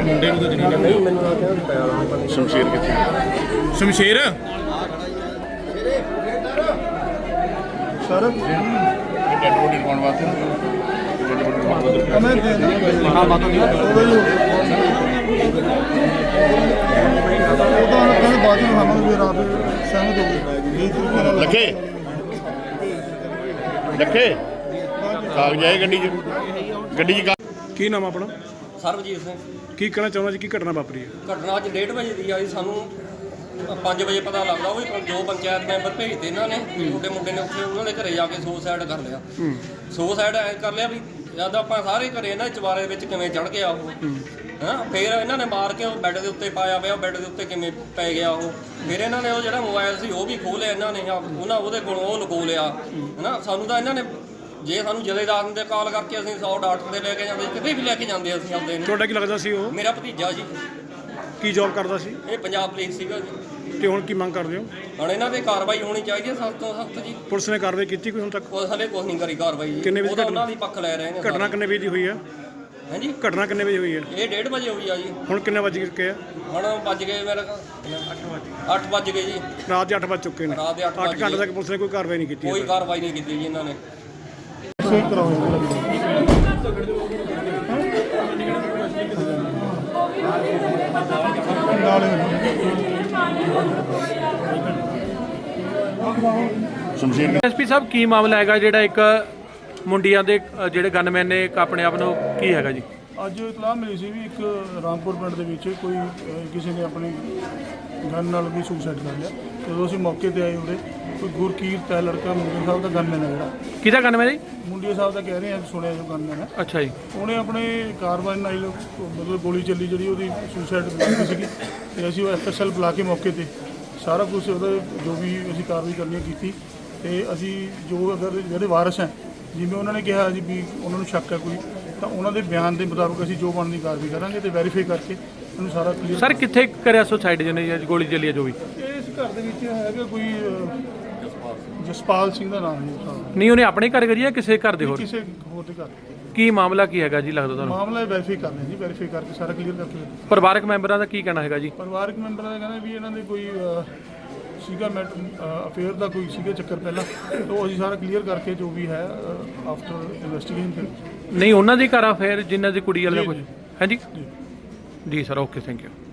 ਮੁੰਡੇ ਨੂੰ ਤਾਂ ਜਨਾਨੀ ਨਹੀਂ ਮੈਨੂੰ ਆ ਕੇ ਸ਼ਮਸ਼ੀਰ ਕਿੱਥੇ ਸ਼ਮਸ਼ੀਰ ਸਰ ਡੈਡ ਬੋਡੀ ਲਵਾਉਣ ਵਾਸਤੇ ਮੈਂ ਦੇ ਹਾਂ ਬਾਤੋਂ ਨਹੀਂ ਉਹ ਤਾਂ ਕਹਿੰਦੇ ਬਾਅਦ ਵਿੱਚ ਹਮਾਂ ਵੀ ਰਾਤ ਸਹਿਮਤ ਹੋ ਗਏ ਇਹ ਤਰੀਕੇ ਨਾਲ ਲੱਖੇ ਲੱਖੇ ਕਾਗਜ਼ ਆਏ ਗੱਡੀ 'ਚ ਕੀ ਨਾਮ ਆਪਣਾ? ਸਰਬਜੀਤ ਸਿੰਘ। ਕੀ ਕਹਿਣਾ ਚਾਹੁੰਦਾ ਜੀ, ਕੀ ਘਟਨਾ ਵਾਪਰੀ ਹੈ? ਘਟਨਾ ਅੱਜ 1:30 ਵਜੇ ਦੀ ਆਈ, ਸਾਨੂੰ 5 ਵਜੇ ਪਤਾ ਲੱਗਦਾ। ਉਹ ਵੀ ਜੋ ਪੰਚਾਇਤ ਮੈਂਬਰ ਭੇਜਦੇ ਇਹਨਾਂ ਨੇ ਵੀ ਤੁਹਾਡੇ ਮੁੰਡੇ ਨੇ ਉੱਥੇ ਉਹਨਾਂ ਦੇ ਘਰੇ ਜਾ ਕੇ ਸੁਸਾਈਡ ਕਰ ਲਿਆ। ਸੁਸਾਈਡ ਐ ਕਰ ਲਿਆ ਵੀ ਜਦ ਆਪਾਂ ਸਾਰੇ ਘਰੇ ਇਹਨਾਂ ਚਵਾਰੇ ਵਿੱਚ ਕਿਵੇਂ ਚੜ ਗਿਆ ਉਹ, ਹਾਂ। ਫਿਰ ਇਹਨਾਂ ਨੇ ਮਾਰ ਕੇ ਉਹ ਬੈੱਡ ਦੇ ਉੱਤੇ ਪਾਇਆ ਪਿਆ, ਬੈੱਡ ਦੇ ਉੱਤੇ ਕਿਵੇਂ ਪੈ ਗਿਆ ਉਹ। ਫਿਰ ਇਹਨਾਂ ਨੇ ਉਹ ਜਿਹੜਾ ਮੋਬਾਈਲ ਸੀ ਉਹ ਵੀ ਖੋਹ ਲਿਆ ਇਹਨਾਂ ਨੇ, ਉਹਦੇ ਕੋਲੋਂ ਉਹ ਲੁਕੋ ਲਿਆ, ਹੈ ਨਾ। ਸਾਨੂੰ ਤਾਂ ਇਹਨਾਂ ਨੇ ਜੇ ਸਾਨੂੰ ਜਥੇਦਾਰ ਦੇ ਕਾਲ ਕਰਕੇ ਅਸੀਂ 100 ਡਾਕਟਰ ਦੇ ਲੈ ਕੇ ਜਾਂਦੇ, ਕਿਤੇ ਵੀ ਲੈ ਕੇ ਜਾਂਦੇ ਅਸੀਂ ਆਪਦੇ ਨੂੰ। ਤੁਹਾਡਾ ਕੀ ਲੱਗਦਾ ਸੀ ਉਹ? ਮੇਰਾ ਭਤੀਜਾ ਜੀ। ਕੀ ਜੌਬ ਕਰਦਾ ਸੀ? ਇਹ ਪੰਜਾਬ ਪੁਲਿਸ ਸੀਗਾ ਜੀ। ਤੇ ਹੁਣ ਕੀ ਮੰਗ ਕਰਦੇ ਹੋ? ਹੁਣ ਇਹਨਾਂ ਤੇ ਕਾਰਵਾਈ ਹੋਣੀ ਚਾਹੀਦੀ ਹੈ ਸਖਤ ਤੋਂ ਸਖਤ ਜੀ। ਪੁਲਿਸ ਨੇ ਕਾਰਵਾਈ ਕੀਤੀ ਕੋਈ ਹੁਣ ਤੱਕ? ਉਹ ਹਲੇ ਕੁਛ ਨਹੀਂ ਕਰੀ ਕਾਰਵਾਈ ਜੀ। ਕਿੰਨੇ ਵਜੇ ਉਹ ਤਾਂ ਉਹਨਾਂ ਦੀ ਪੱਖ ਲੈ ਰਹੇ ਨੇ। ਘਟਨਾ ਕਿੰਨੇ ਵਜੇ ਦੀ ਹੋਈ ਹੈ? ਹਾਂਜੀ, ਘਟਨਾ ਕਿੰਨੇ ਵਜੇ ਹੋਈ ਹੈ? ਇਹ 1:30 ਵਜੇ ਹੋਈ ਆ ਜੀ। ਹੁਣ ਕਿੰਨੇ ਵਜ ਗਏ ਆ? ਹੁਣ ਵੱਜ ਗਏ ਮੇਰੇ 8 ਵੱਜ ਗਏ ਜੀ। ਰਾਤ ਦੇ 8 ਵਜ ਚੁੱਕੇ ਨੇ। ਰਾਤ ਦੇ 8 8 ਘੰਟੇ ਤੱਕ ਪੁਲਿਸ ਨੇ ਕੋਈ ਕਾਰਵਾਈ ਨਹੀਂ ਕੀਤੀ? ਕੋਈ ਕਾਰਵਾਈ ਨਹੀਂ ਕੀਤੀ ਜੀ ਇਹਨਾਂ ਨੇ। ਸਹੀ ਕਰਾਓ ਸ਼ਮਸ਼ੀਰ ਐਸਪੀ ਸਾਹਿਬ, ਕੀ ਮਾਮਲਾ ਹੈਗਾ ਜਿਹੜਾ ਇੱਕ ਮੁੰਡਿਆਂ ਦੇ ਜਿਹੜੇ ਗਨਮੈਨ ਨੇ ਇੱਕ ਆਪਣੇ ਆਪ ਨੂੰ ਕੀ ਹੈਗਾ ਜੀ? ਅੱਜ ਇਤਲਾਹ ਮਿਲੀ ਸੀ ਵੀ ਇੱਕ ਰਾਮਪੁਰ ਪਿੰਡ ਦੇ ਵਿੱਚ ਕੋਈ ਕਿਸੇ ਨੇ ਆਪਣੀ ਗਨ ਨਾਲ ਵੀ ਸੁਸਾਈਡ ਕਰ ਲਿਆ। ਜਦੋਂ ਅਸੀਂ ਮੌਕੇ ਤੇ ਆਏ ਉਰੇ ਕੋਈ ਗੁਰਕੀਰਤ ਹੈ ਲੜਕਾ, ਮੁੰਡੇ ਸਾਹਿਬ ਦਾ ਗਨਮੈਨ ਹੈ ਜਿਹੜਾ। ਕਿਹਦਾ ਗਨਮੈਨ ਜੀ? ਮੁੰਡੇ ਸਾਹਿਬ ਦਾ ਕਹਿ ਰਹੇ ਆ, ਸੁਣਿਆ ਜੋ ਗਨਮੈਨ ਹੈ। ਅੱਛਾ ਜੀ। ਉਹਨੇ ਆਪਣੇ ਕਾਰਵਾਈ ਨਾਲ ਮਤਲਬ ਗੋਲੀ ਚੱਲੀ ਜਿਹੜੀ ਉਹਦੀ ਸੁਸਾਈਡ ਸੀਗੀ, ਤੇ ਅਸੀਂ ਉਹ FSL ਬੁਲਾ ਕੇ ਮੌਕੇ ਤੇ ਸਾਰਾ ਕੁਝ ਉਹਦਾ ਜੋ ਵੀ ਅਸੀਂ ਕਾਰਵਾਈ ਕਰਨੀ ਕੀਤੀ। ਤੇ ਅਸੀਂ ਜੋ ਅਗਰ ਜਿਹੜੇ ਵਾਰਸ ਹੈ, ਜਿਵੇਂ ਉਹਨਾਂ ਨੇ ਕਿਹਾ ਜੀ ਵੀ ਉਹਨਾਂ ਨੂੰ ਸ਼ੱਕ ਹੈ ਕੋਈ, ਤਾਂ ਉਹਨਾਂ ਦੇ ਬਿਆਨ ਦੇ ਮੁਤਾਬਕ ਅਸੀਂ ਜੋ ਬਣਦੀ ਕਾਰਵਾਈ ਕਰਾਂਗੇ ਤੇ ਵੈਰੀਫਾਈ ਕਰਕੇ ਉਹਨੂੰ ਸਾਰਾ ਕਲੀਅਰ। ਸਰ ਕਿੱਥੇ ਕਰਿਆ ਸੁਸਾਈਡ ਜਿਹਨੇ ਗੋਲੀ ਚੱਲੀ ਹੈ ਜੋ ਵੀ? ਇਸ ਘਰ ਦੇ ਵਿੱਚ ਹੈਗਾ ਕੋਈ ਜਸਪਾਲ ਸਿੰਘ ਦਾ ਨਾਮ ਹੈ। ਨਹੀਂ, ਉਹਨੇ ਆਪਣੇ ਘਰ ਕਰੀ ਜਾਂ ਕਿਸੇ ਘਰ ਦੇ ਹੋਰ? ਕਿਸੇ ਹੋਰ ਦੇ ਘਰ। ਕੀ ਮਾਮਲਾ ਕੀ ਹੈਗਾ ਜੀ ਲੱਗਦਾ ਤੁਹਾਨੂੰ? ਮਾਮਲਾ ਵੈਰੀਫਾਈ ਕਰਨਾ ਜੀ, ਵੈਰੀਫਾਈ ਕਰਕੇ ਸਾਰਾ ਕਲੀਅਰ ਕਰਕੇ। ਪਰਿਵਾਰਕ ਮੈਂਬਰਾਂ ਦਾ ਕੀ ਕਹਿਣਾ ਹੈਗਾ ਜੀ? ਪਰਿਵਾਰਕ ਮੈਂਬਰਾਂ ਦਾ ਕਹਿੰਦਾ ਵੀ ਇਹਨਾਂ ਦੇ ਕੋਈ ਸੀਗਾ ਅਫੇਅਰ ਦਾ ਕੋਈ ਸੀਗਾ ਚੱਕਰ ਪਹਿਲਾਂ, ਤਾਂ ਅਸੀਂ ਸਾਰਾ ਕਲੀਅਰ ਕਰਕੇ ਜੋ ਵੀ ਹੈ ਆਫਟਰ ਇਨਵੈਸਟੀਗੇਸ਼ਨ। ਨਹੀਂ, ਉਹਨਾਂ ਦੀ ਘਰ ਆ ਫਿਰ ਜਿਨ੍ਹਾਂ ਦੀ ਕੁੜੀ ਵਾਲਾ ਕੁਝ ਹੈ ਜੀ? ਜੀ ਸਰ, ਓਕੇ, ਥੈਂਕ ਯੂ।